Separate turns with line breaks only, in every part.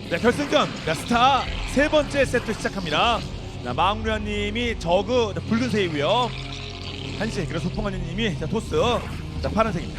네, 결승전 스타 세 번째 세트 시작합니다. 마웅루아님이 저그 붉은색이고요. 한시 그리고 소풍아님이 토스 파란색입니다.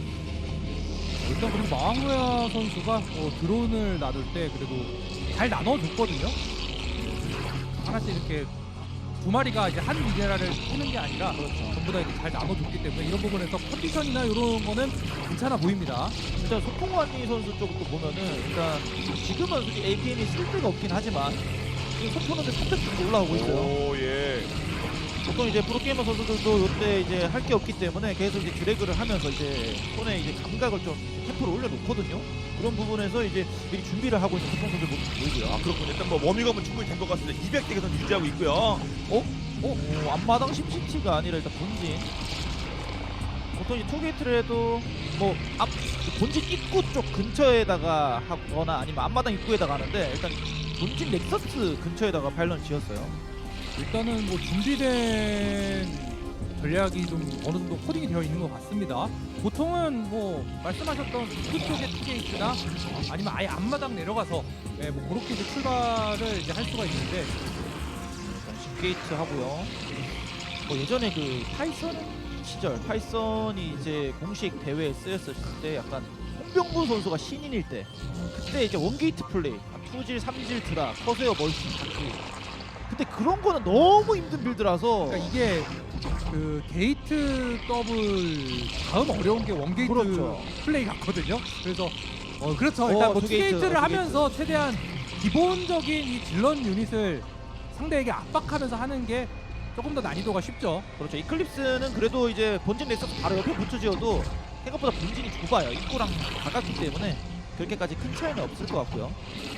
일단 그리고 마왕루야 선수가 드론을 놔둘 때 그래도 잘 나눠줬거든요. 하나씩 이렇게 두 마리가 이제 한 미네랄을 쓰는 게 아니라 전부 다 이렇게 잘 나눠줬기 때문에 이런 부분에서 컨디션이나 이런 거는 괜찮아 보입니다.
일단 소풍환이 선수 쪽도 보면은 일단 지금은 솔직히 APM이 쓸 데가 없긴 하지만 지금 선포는데 300 정도 올라오고 있어요.
오, 예.
보통 이제 프로게이머 선수들도 이때 이제 할 게 없기 때문에 계속 이제 드래그를 하면서 이제 손에 이제 감각을 좀 템포를 올려놓거든요. 그런 부분에서 이제 미리 준비를 하고 있는 소풍 선수들 모습 보이고요.
아, 그렇군요. 일단 뭐 워밍업은 충분히 된 것 같습니다. 200대 계속 유지하고 있고요.
앞마당 심시티가 아니라 일단 본진. 보통 이제 투게이트를 해도 뭐 앞 본진 입구 쪽 근처에다가 하거나 아니면 앞마당 입구에다가 하는데 일단 본진 넥서스 근처에다가 파일런 지었어요.
일단은 뭐 준비된 전략이 좀 어느 정도 코딩이 되어 있는 것 같습니다. 보통은 뭐 말씀하셨던 그쪽의 투게이트나 아니면 아예 앞마당 내려가서 뭐 그렇게 이제 출발을 이제 할 수가 있는데
게이트 하고요. 예전에 그 파이썬 시절 파이썬이 이제 공식 대회에 쓰였을 때 약간 홍병구 선수가 신인일 때 그때 이제 원게이트 플레이 2질 3질 드라 커세어 멀티 다크 그때 그런 거는 너무 힘든 빌드라서
그러니까 이게 그 게이트 더블 다음 어려운 게 원게이트
그렇죠.
플레이 같거든요. 그래서 그렇죠. 일단 뭐 투게이트를 하면서 최대한 기본적인 이 질런 유닛을 상대에게 압박하면서 하는 게 조금 더 난이도가 쉽죠.
그렇죠. 이클립스는 그래도 이제 본진 넥서스 바로 옆에 붙여지어도 생각보다 본진이 좁아요. 입구랑 가깝기 때문에 그렇게까지 큰 차이는 없을 것 같고요.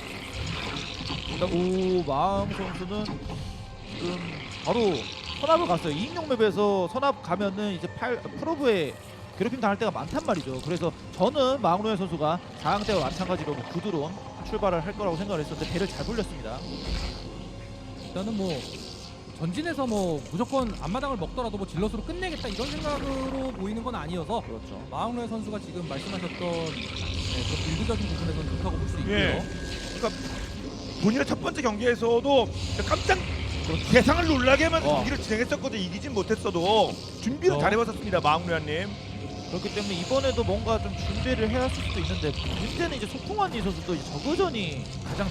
일단 마음 선수는 지금 바로 선압을 갔어요. 2인용 맵에서 선압 가면은 이제 프로브에 괴롭힘 당할 때가 많단 말이죠. 그래서 저는 마흥로의 선수가 4강 때와 마찬가지로 뭐 구드론 출발을 할 거라고 생각을 했었는데 배를 잘 불렸습니다.
일단은 뭐 전진에서 뭐 무조건 앞마당을 먹더라도 뭐 질럿으로 끝내겠다 이런 생각으로 보이는 건 아니어서
그렇죠.
마흥로의 선수가 지금 말씀하셨던 그 빌드적인 부분에서는 좋다고 볼 수 있고요.
예. 그러니까 본인의 첫 번째 경기에서도 깜짝 대상을 놀라게 하면 경기를 진행했었거든요. 이기진 못했어도 준비를 잘해봤었습니다. 마웅루아님.
그렇기 때문에 이번에도 뭔가 좀 준비를 해야 할 수도 있는데 문제는 이제 소풍환이 선수도 이제 저그전을 가장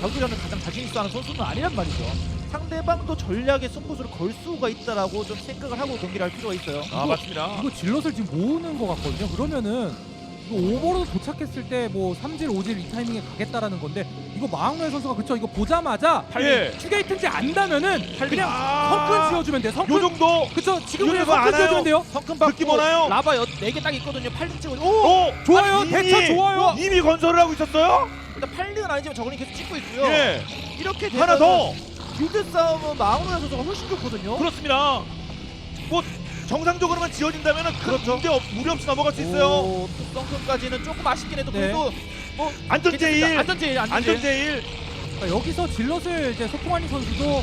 자신 있어 하는 선수는 아니란 말이죠. 상대방도 전략에 승부수를 걸 수가 있다라고 좀 생각을 하고 경기를 할 필요가 있어요.
맞습니다.
이거 질럿을 지금 모으는 것 같거든요. 그러면은 이거 오버로드 도착했을 때 뭐 3질, 5질 이 타이밍에 가겠다라는 건데 이거 마흥로의 선수가 그쵸 이거 보자마자
예.
투게이트인지 안다면은 그냥 성큰 지어주면 돼요. 성큰
요 정도.
그쵸 지금 그냥
이거
성큰
알아요.
지어주면 돼요.
성큰
느낌
받고
오나요?
라바 4개 딱 있거든요. 8등 찍어.
좋아요.
아니,
대처 좋아요.
이미 건설을 하고 있었어요?
일단 8등은 아니지만 저거는 계속 찍고 있고요.
예.
이렇게
하나 더.
빌드 싸움은 마흥로의 선수가 훨씬 좋거든요.
그렇습니다. 뭐 정상적으로만 지어진다면은
그렇죠.
무리 없이 넘어갈 수 있어요.
성큼까지는 조금 아쉽긴 해도
네.
그래도 뭐
안전제일.
안전제일.
안전제일.
그러니까 여기서 질럿을 이제 소풍환이 선수도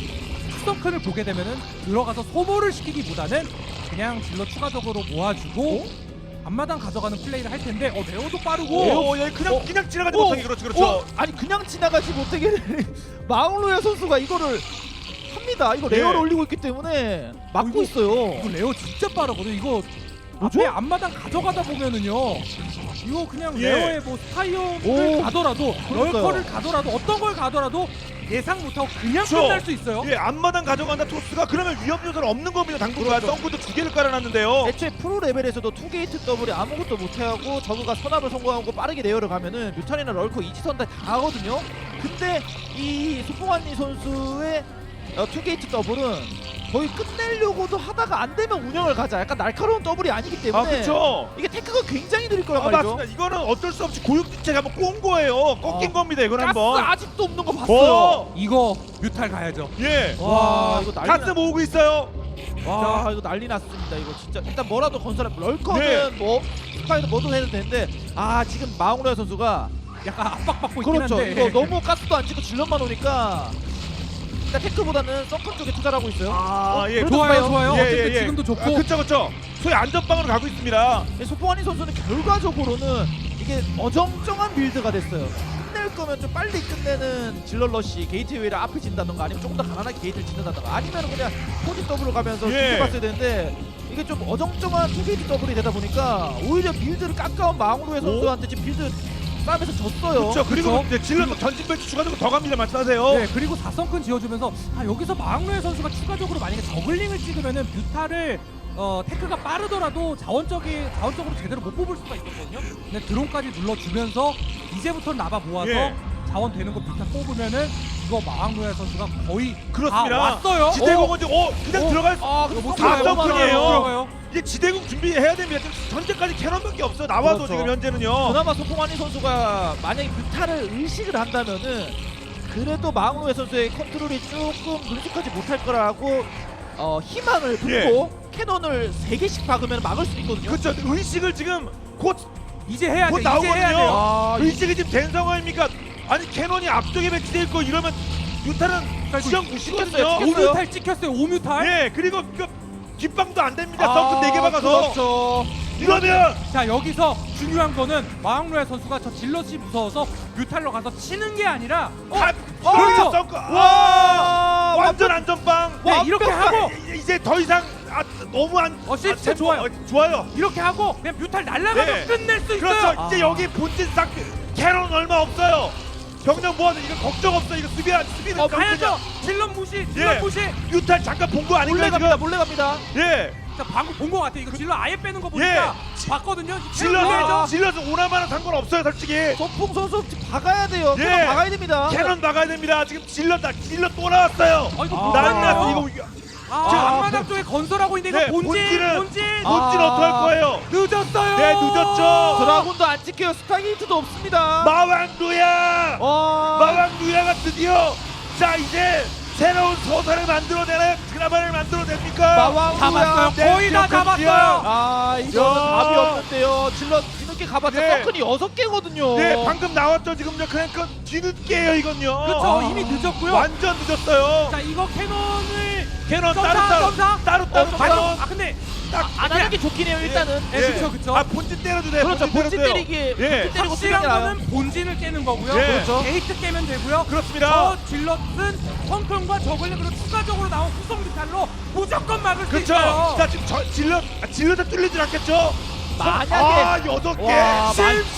추성큰을 보게 되면은 들어가서 소모를 시키기보다는 그냥 질럿 추가적으로 모아주고 앞마당 가져가는 플레이를 할 텐데 레오도 빠르고
오, 예, 그냥 지나가지 못하게 그렇죠.
아니 그냥 지나가지 못하게 마흥로야 선수가 이거를 합니다. 이거
네.
레어를 올리고 있기 때문에 막고
이거-
있어요.
이거 레오 진짜 빠르거든. 이거
뭐죠?
앞에 앞마당 가져가다 보면은요. 이거 그냥
예.
레오의 뭐 스타이어를 가더라도
그러니까요.
럴커를 가더라도 어떤 걸 가더라도 예상 못하고 그냥
그렇죠.
끝날 수 있어요.
예, 앞마당 가져간다 토스가 그러면 위험 요소는 없는 겁니다. 당분간
그렇죠.
덩크도 2개를 깔아놨는데요.
애초에 프로 레벨에서도 투게이트 더블이 아무것도 못해하고 저그가 선압을 성공하고 빠르게 내열을 가면은 뮤탄이나 럴커 이지선 다 하거든요. 근데 이 소풍환리 선수의 투게이트 더블은 거의 끝내려고도 하다가 안 되면 운영을 가자. 약간 날카로운 더블이 아니기 때문에
그렇죠.
이게 테크가 굉장히 느릴 거란 말이죠.
맞습니다. 이거는 어쩔 수 없이 고육지체가 한번 꼰 거예요. 꺾인 겁니다. 이건
가스
한번.
아직도 없는 거 봤어요.
이거 뮤탈 가야죠.
예.
와 이거 난리
가스 모으고 있어요.
와 이거 난리 났습니다. 이거 진짜 일단 뭐라도 건설해. 럴커는
네.
뭐 스파이더 뭐도 해도 되는데 지금 마웅로야 선수가
약간 압박받고 있긴
그렇죠.
한데
이거 너무 가스도 안 찍고 질럿만 오니까 일단 테크보다는 서클 쪽에 투자를 하고 있어요.
예.
좋아요.
예,
어쨌든
예, 예.
지금도 좋고
그쵸. 소위 안전빵으로 가고 있습니다.
소풍환이 선수는 결과적으로는 이게 어정쩡한 빌드가 됐어요. 끝낼 거면 좀 빨리 끝내는 질러러시 게이트웨이를 앞에 진다던가 아니면 조금 더 가난하게 게이트를 짓는다던가 아니면 그냥 포지 더블로 가면서
예.
뒤집었어야 되는데 이게 좀 어정쩡한 투게이트 더블이 되다 보니까 오히려 빌드를 깎아온 마웅루의 선수한테 지금 빌드 싸움에서 졌어요.
그렇죠. 그리고
그쵸?
이제 질러 전진 벤치 추가적으로 더 갑니다. 말씀하세요.
네, 그리고 4성큰 지어주면서 여기서 마흥로의 선수가 추가적으로 만약에 저글링을 찍으면은 뮤타를 테크가 빠르더라도 자원적으로 제대로 못 뽑을 수가 있었거든요. 근데 드론까지 눌러주면서 이제부터는 나바 모아서
예.
자원 되는 거 뮤타 뽑으면은 이거 마흥로의 선수가 거의
그렇습니다.
다 왔어요.
지대공은 지금 그냥 들어갈
근데 못
다
들어가요.
덩크이에요.
못 들어가요.
이제 지대공 준비해야 됩니다. 지금 현재까지 캐논밖에 없어. 나와도
그렇죠.
지금 현재는요.
그나마 소풍환희 선수가 만약에 뮤타를 의식을 한다면은 그래도 마웅루의 선수의 컨트롤이 조금 능숙하지 못할 거라고 희망을 품고 캐논을 3개씩 박으면 막을 수 있거든요.
그렇죠. 의식을 지금 곧
이제 해야
곧
돼. 이제 해야
나오거든요.
돼요.
아,
의식이 지금 된 상황입니까? 아니 캐논이 앞쪽에 배치돼 있고 이러면 유타는
이거
지형 무시거든요.
찍혔어요.
5뮤탈 찍혔어요. 5뮤탈.
예, 그리고 그 뒷방도 안 됩니다.
아,
덩크 4개 박아서
그렇죠.
이러면
자, 여기서 중요한 거는 마흥로의 선수가 저 질럿이 무서워서 뮤탈로 가서 치는 게 아니라
그렇죠. 덩크
와,
완전 안전빵.
네, 이렇게 하고
이제 더 이상 너무 안
시스템
템포,
좋아요.
좋아요.
이렇게 하고 그냥 뮤탈 날라가서
네.
끝낼 수 있어요.
그렇죠. 이제 여기 본진 싹 캐논 얼마 없어요. 병력 모아도 이거 걱정 없어. 이거 수비는
가야죠. 질럿 무시, 질럿
예.
무시.
유탈 잠깐 본 거
몰래
아닌가요
갑니다.
지금?
몰래 갑니다.
예.
자, 방금 본 것 같아. 이거 질럿 아예 빼는 거 보니까 봤거든요.
질러서 오나마나 상관없어요 솔직히.
소풍 선수 지금 박아야 돼요.
예.
캐논 박아야 됩니다.
캐논 막아야 됩니다. 지금 질러 또 나왔어요.
이거
난리 났어
뭐예요?
이거.
지금 앞마당 쪽에 건설하고 있는데
네,
이거 본진.
본진 어떻게 할 거예요?
늦었어요.
네, 늦었죠.
드라군도 안 찍혀요. 스타게이트도 없습니다.
마왕루야.
와.
마왕루야가 드디어 자 이제 새로운 소설을 만들어내나요? 드라마를 만들어냅니까?
마왕루야.
잡았어요.
네,
거의 다
기억합니다.
잡았어요.
아, 이거는
야.
답이 없는데요. 질러 뒤늦게 가봤자
네.
서클이 6개거든요.
네, 방금 나왔죠 지금요. 그러니까 뒤늦게요 이건요.
그렇죠. 이미 늦었고요.
완전 늦었어요.
자, 이거 캐논을
캐논
점사.
따로 캐논
근데
안 하는 게 좋긴 해요. 일단은.
네, 그쵸.
아 본진 때려도 돼요.
그렇죠. 본진
때려도 돼요.
때리기.
예.
본진 때리고
확실한
쓰는 게 나아요.
거는 본진을 깨는 거고요.
예.
그렇죠.
게이트 깨면 되고요.
그렇습니다.
저 질럿은 펑크과 저글링 그리고 추가적으로 나온 후속 미탈로 무조건 막을 수
그렇죠.
있어요.
자 지금 질러다 뚫리진 않겠죠?
만약에
8개.
와,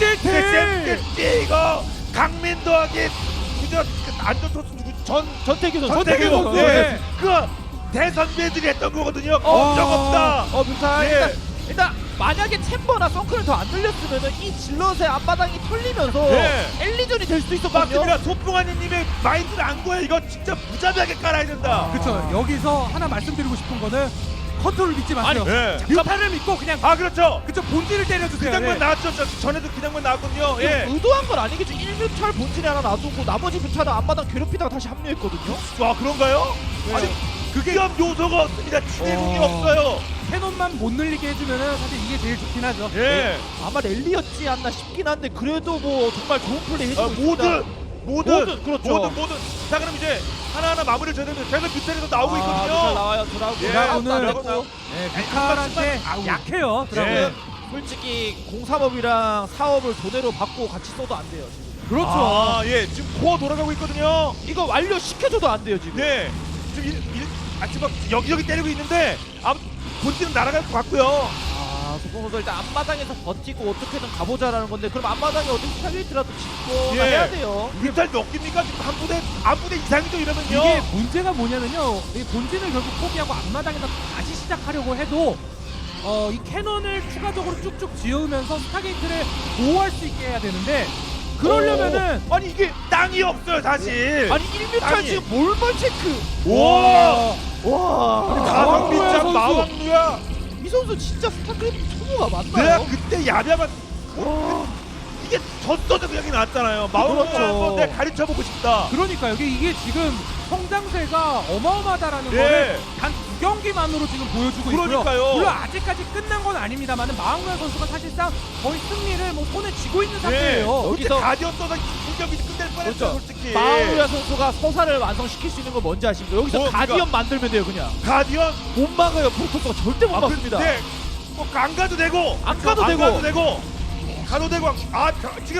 쌤 이거 강민 더하기 그저 안전 토스 누구
전태규 선수.
전태규 선수.
선수. 네.
그 대선배들이 했던 거거든요. 걱정 없다.
뮤탈.
예.
일단 만약에 챔버나 썬크를 더 안 들렸으면은 이 질럿의 앞바닥이 털리면서
예.
엘리전이 될 수도 있었거든요.
맞습니다. 소풍아니님의 마인드를 안 거야. 이거 진짜 무자비하게 깔아야 된다.
그렇죠. 여기서 하나 말씀드리고 싶은 거는 컨트롤 믿지 마세요.
예.
뮤탈을 믿고 그냥
아 그렇죠.
그쵸 본질을 때려주세요.
그 장면
예.
나왔죠. 전에도 그 장면 나왔거든요. 예.
의도한 건 아니겠죠. 1뮤탈 본진에 하나 놔두고 나머지 뮤탈은 앞마당 괴롭히다가 다시 합류했거든요.
와 그런가요? 아니 그게 위험 요소가 없습니다. 지대공이 없어요.
캐논만 못 늘리게 해주면은 사실 이게 제일 좋긴 하죠.
예.
아마 랠리였지 않나 싶긴 한데 그래도 뭐 정말 좋은 플레이 해주고 있습니다.
모든
그렇죠.
모든 자 그럼 이제 하나하나 마무리를 줘야 되는데 계속 뮤탈에도 나오고
뮤탈
있거든요.
나와요. 드라군.
예.
드라군은
네,
뮤탈한테 약해요. 드라군.
예.
솔직히 03업이랑 사업을 돈으로 받고 같이 써도 안 돼요. 지금.
그렇죠.
아, 예. 지금 코어 돌아가고 있거든요.
이거 완료 시켜줘도 안 돼요 지금.
네. 지금 지금 여기저기 때리고 있는데 본진은 날아갈 것 같고요.
소풍 선수 일단 앞마당에서 버티고 어떻게든 가보자라는 건데 그럼 앞마당에 어떻게 스타게이트라도 짓고
예.
해야 돼요.
뮤탈 몇 개입니까? 지금 한 부대 이상이죠 이러면요.
이게 문제가 뭐냐면요. 이 본진을 결국 포기하고 앞마당에서 다시 시작하려고 해도 이 캐논을 추가적으로 쭉쭉 지으면서 스타게이트를 보호할 수 있게 해야 되는데 그러려면은
아니 이게 땅이 없어요 사실.
아니 1뮤탈
아니.
지금 몰벌 체크.
와.
와.
가성비짱
선수.
마왕루야.
이 선수 진짜 스타크래프트 초보가
내가
맞나요?
그때 야비하면 이게 졌어도 그냥 나왔잖아요. 마왕루야
그렇죠.
한번 내가 가르쳐보고 싶다.
그러니까 이게 지금 성장세가 어마어마하다라는
예.
거를 단 2경기만으로 지금 보여주고
그러니까요.
있고요. 물론 아직까지 끝난 건 아닙니다만은 마흥로야 선수가 사실상 거의 승리를 뭐 손에 쥐고 있는 상태예요.
여기서
여기서-
가디언 떠서 공격이 끝낼 뻔했죠
그렇죠.
솔직히.
마우루야 선수가 서사를 완성시킬 수 있는 건 뭔지 아십니까? 여기서
뭐,
가디언 만들면 돼요 그냥.
가디언
못 막아요. 프로토스가 절대 못 막습니다.
네. 뭐안 가도 되고
안 가도 되고.
가도 되고 아 지금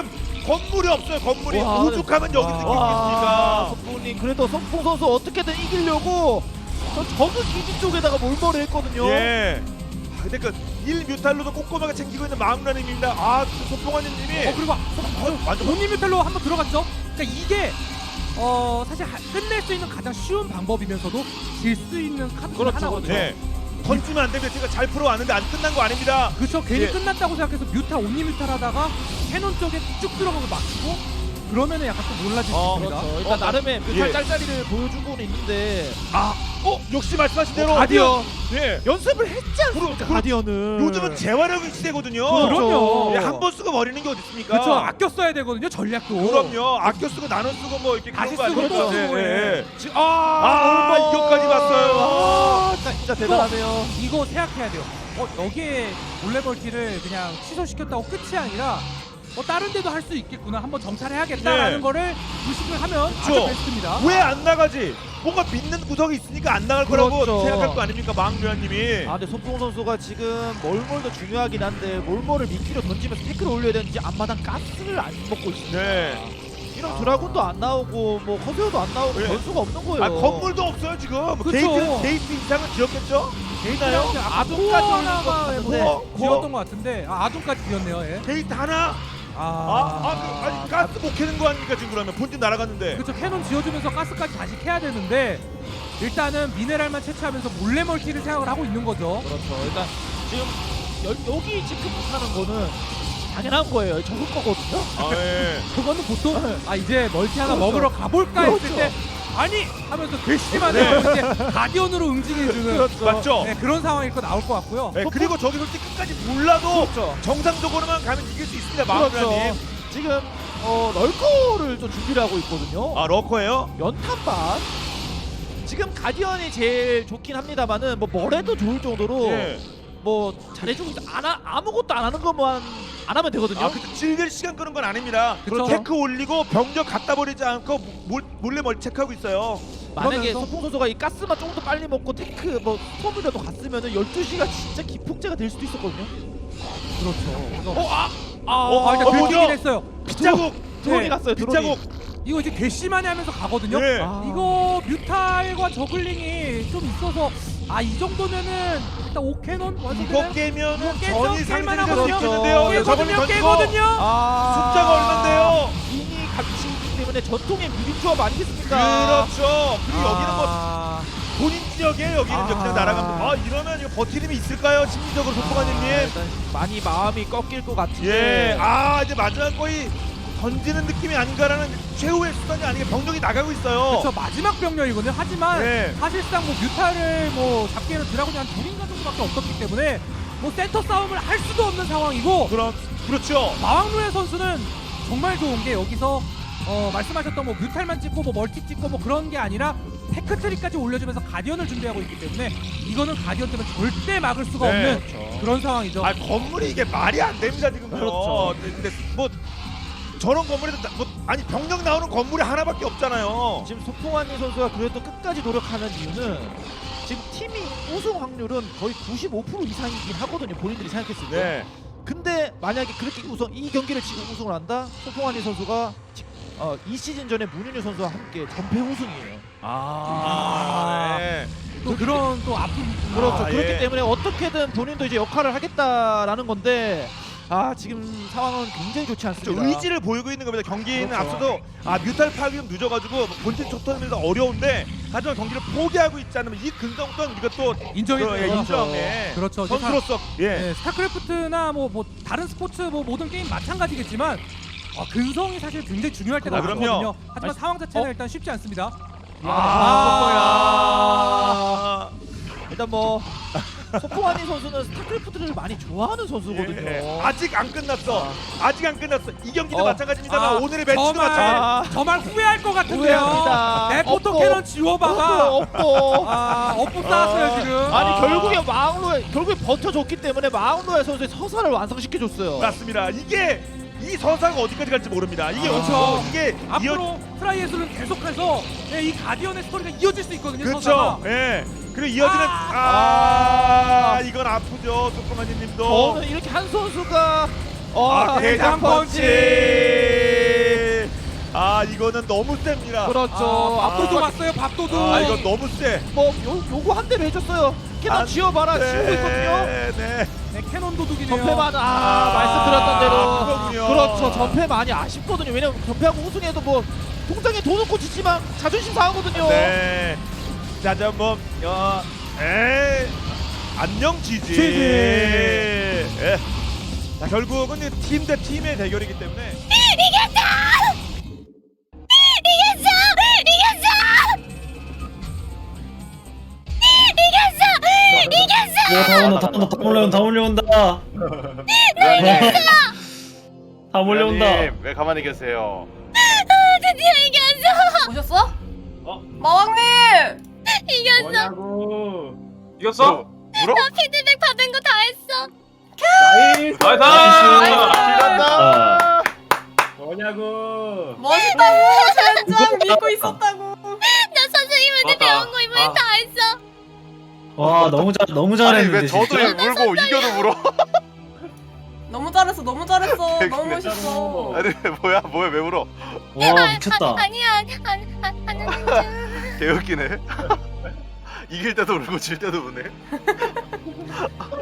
건물이 없어요. 건물이
와,
오죽하면 여기
와,
있겠습니까?
소풍님 그래도 소풍 선수 어떻게든 이기려고 적은 기지 쪽에다가 몰머리 했거든요.
예. 근데 그 1뮤탈로도 꼼꼼하게 챙기고 있는 마음라님입니다. 소풍아님이
그리고
완전
온리뮤탈로 한번 들어갔죠. 그러니까 이게 사실 끝낼 수 있는 가장 쉬운 방법이면서도 질 수 있는 카드 중
그렇죠,
하나거든요.
네. 던지면 안 됩니다. 제가 잘 풀어왔는데 안 끝난 거 아닙니다.
그렇죠. 괜히
예.
끝났다고 생각해서 뮤탈 온리뮤탈 하다가 캐논 쪽에 쭉 들어가고 막히고 그러면은 약간 또 놀라질 수 있습니다.
그렇죠. 일단 나름의 그
예.
짤짤이를 보여주고는 있는데
역시 말씀하신 대로
가디언
예.
연습을 했지 않습니까? 가디언은
요즘은 재활용의 시대거든요.
그럼요.
예, 한 번 쓰고 버리는 게 어디 있습니까?
그렇죠. 아껴 써야 되거든요. 전략도.
그럼요. 아껴 쓰고 나눠 쓰고 뭐 이렇게
다시
그런 거
쓰고
아닙니까?
또 쓰고, 예.
지금 이거까지 봤어요.
진짜 대단하네요.
이거 생각해야 돼요. 여기에 몰래벌티를 그냥 취소시켰다고 끝이 아니라 다른 데도 할 수 있겠구나. 한번 정찰해야겠다라는
네.
거를 의식을 하면 아주
그렇죠.
베스트입니다.
왜 안 나가지? 뭔가 믿는 구석이 있으니까 안 나갈 거라고
그렇죠.
생각할 거 아닙니까, 마흥류아님이?
근데 소풍 선수가 지금 몰몰도 중요하긴 한데 몰몰을 미끼로 던지면서 태클을 올려야 되는지 앞마당 가스를 안 먹고 있습니다.
네.
이런 드라군도 안 나오고 뭐 커세어도 안 나오고
네.
변수가 없는 거예요.
건물도 없어요 지금.
그쵸.
게이트 이상은 지었겠죠?
데이터요?
아둔까지 올린 것
하나가
같은데.
지었던 것 같은데 아둔까지 지었네요. 예.
게이트 하나? 아니 가스 못 캐는 거 아닙니까 지금 그러면 본진 날아갔는데.
그렇죠. 캐논 지어주면서 가스까지 다시 캐야 되는데 일단은 미네랄만 채취하면서 몰래 멀티를 생각을 하고 있는 거죠.
그렇죠. 일단 지금 여기 지금 못하는 거는 당연한 거예요. 적을 거거든요.
예.
그거는 보통 이제 멀티 하나
그렇죠.
먹으러 가볼까 했을
그렇죠.
때 아니 하면서 괘씸하게 이제 가디언으로 응징해주는
그렇죠.
맞죠?
네, 그런 상황일 거 나올 것 같고요.
네, 그리고 저기 솔직히 끝까지 몰라도
그렇죠.
정상적으로만 가면 이길 수 있습니다,
그렇죠.
마흥류아님.
지금 럴커를 좀 준비를 하고 있거든요.
러커예요?
연탄반. 지금 가디언이 제일 좋긴 합니다만은 뭘 해도 좋을 정도로
예.
뭐 잘해주고 있다. 아무것도 안 하는 것만 안 하면 되거든요.
그쵸. 즐길 시간 끄는 건 아닙니다.
그쵸.
테크 올리고 병력 갖다 버리지 않고 몰래 멀티 체크하고 있어요.
만약에
그러면서-
소풍 선수가 이 가스만 조금 더 빨리 먹고 테크 스톰이라도 갔으면은 12시가 진짜 기폭제가 될 수도 있었거든요.
그렇죠. 그래서
어,
일단
뭐죠?
들키긴 했어요.
빗자국!
드론이
네,
갔어요. 드론이.
빗자국!
이거 이제 괘씸하게 하면서 가거든요.
예.
이거 뮤탈과 저글링이 좀 있어서 이 정도면은 일단 오캐논
이거
완성되나요?
깨면은
이거
전이
깰만
상승될 수
하거든요.
있겠는데요. 저걸링
깨거든요.
던지고
깨거든요.
숫자가 얼만데요?
이미 같이 있기 때문에 전통의 뮤비 조합 아니겠습니까?
그렇죠. 그리고 여기는 뭐 본인 지역에 여기는 그냥 날아갑니다. 이러면 이거 버티림이 있을까요? 심리적으로 소통하님님.
일단 많이 마음이 꺾일 것 같은데.
예. 이제 마지막 거의 던지는 느낌이 아닌가라는 최후의 수단이 아니게 병력이 나가고 있어요.
그렇죠. 마지막 병력이거든요. 하지만
네.
사실상 뮤탈을 잡기에는 드라곤이 한 둘인가 정도밖에 없었기 때문에 센터 싸움을 할 수도 없는 상황이고
그렇죠.
마왕루의 선수는 정말 좋은 게 여기서 말씀하셨던 뮤탈만 찍고 멀티 찍고 그런 게 아니라 테크트리까지 올려주면서 가디언을 준비하고 있기 때문에 이거는 가디언 때문에 절대 막을 수가
네,
없는
그렇죠.
그런 상황이죠.
건물이 이게 말이 안 됩니다 지금.
그렇죠.
근데 뭐 저런 건물에도 병력 나오는 건물이 하나밖에 없잖아요.
지금 소풍환희 선수가 그래도 끝까지 노력하는 이유는 지금 팀이 우승 확률은 거의 95% 이상이긴 하거든요. 본인들이 생각했을 때.
네.
근데 만약에 그렇게 이 경기를 지금 우승을 한다? 소풍환희 선수가 이 시즌 전에 문윤유 선수와 함께 전패 우승이에요.
네.
또 그런 또 아픈
그렇죠. 그렇기
예.
때문에 어떻게든 본인도 이제 역할을 하겠다라는 건데 지금 상황은 굉장히 좋지 않습니다.
의지를 보이고 있는 겁니다. 경기는
그렇죠.
앞서도 뮤탈 파악이 좀 늦어가지고 본진 촉터면서 어려운데 하지만 경기를 포기하고 있지 않으면 이 근성 또한 우리가 또
인정해줘요.
인정해.
그렇죠.
선수로서
네, 스타크래프트나 다른 스포츠 모든 게임 마찬가지겠지만 근성이 사실 굉장히 중요할 때가
그럼요.
많거든요. 하지만 상황 자체는 일단 쉽지 않습니다.
일단 소풍환희 선수는 스타크래프트를 많이 좋아하는 선수거든요.
예. 아직 안 끝났어. 아직 안 끝났어. 이 경기도 마찬가지입니다만 오늘의 매치도
정말
마찬가지.
정말 후회할 것 같은데요.
후회합니다.
내 포토
없고.
캐논 지워봐가.
없고.
업보 쌓았어요 지금.
아니 결국에 결국에 버텨줬기 때문에 마흥로의 선수의 서사를 완성시켜줬어요.
맞습니다. 이게 이 서사가 어디까지 갈지 모릅니다. 이게
그렇죠.
이게
앞으로 트라이애슬은 계속해서 이 가디언의 스토리가 이어질 수 있거든요.
그렇죠.
서사가.
예. 그리고 이어지는 이건 아프죠. 소프마니님도.
저는 이렇게 한 선수가
대장 펀치. 야 이거는 너무 셉니다.
그렇죠.
밥도둑 왔어요. 밥도둑.
아 이건 너무 세.
뭐 요거 한 대로 해줬어요. 캐논 지어봐라. 지우고 있거든요.
네.
네, 캐논 도둑이네요.
전패 많아. 말씀드렸던 대로.
그렇군요.
그렇죠. 전패 많이 아쉽거든요. 왜냐면 전패하고 우승해도 뭐 통장에 돈 넣고 지지만 자존심 상하거든요.
네. 자, 뭐 안녕 지지.
지지.
예. 자, 결국은 팀 대 팀의 대결이기 때문에
다 몰려온다.
의원님,
다 몰려온다.
의원님, 왜 가만히 계세요?
드디어 이겼어.
오셨어?
어?
마왕님!
이겼어.
뭐냐고.
이겼어? 울어?
나 피드백 받은 거 다 했어.
나이스.
이겼다!
뭐냐고.
멋있다고! 젠장 믿고 있었다고!
나 선생님한테 배운 거 이번엔 다 했어.
와 너무
아니
잘했는데
왜 저도
진짜.
울고 이겨도 울어?
너무 잘했어 너무 잘했어 너무
근데
멋있어
아니 뭐야 왜 울어?
와 미쳤다.
아니야 안 하는 중.
개웃기네. 이길 때도 울고 질 때도 우네.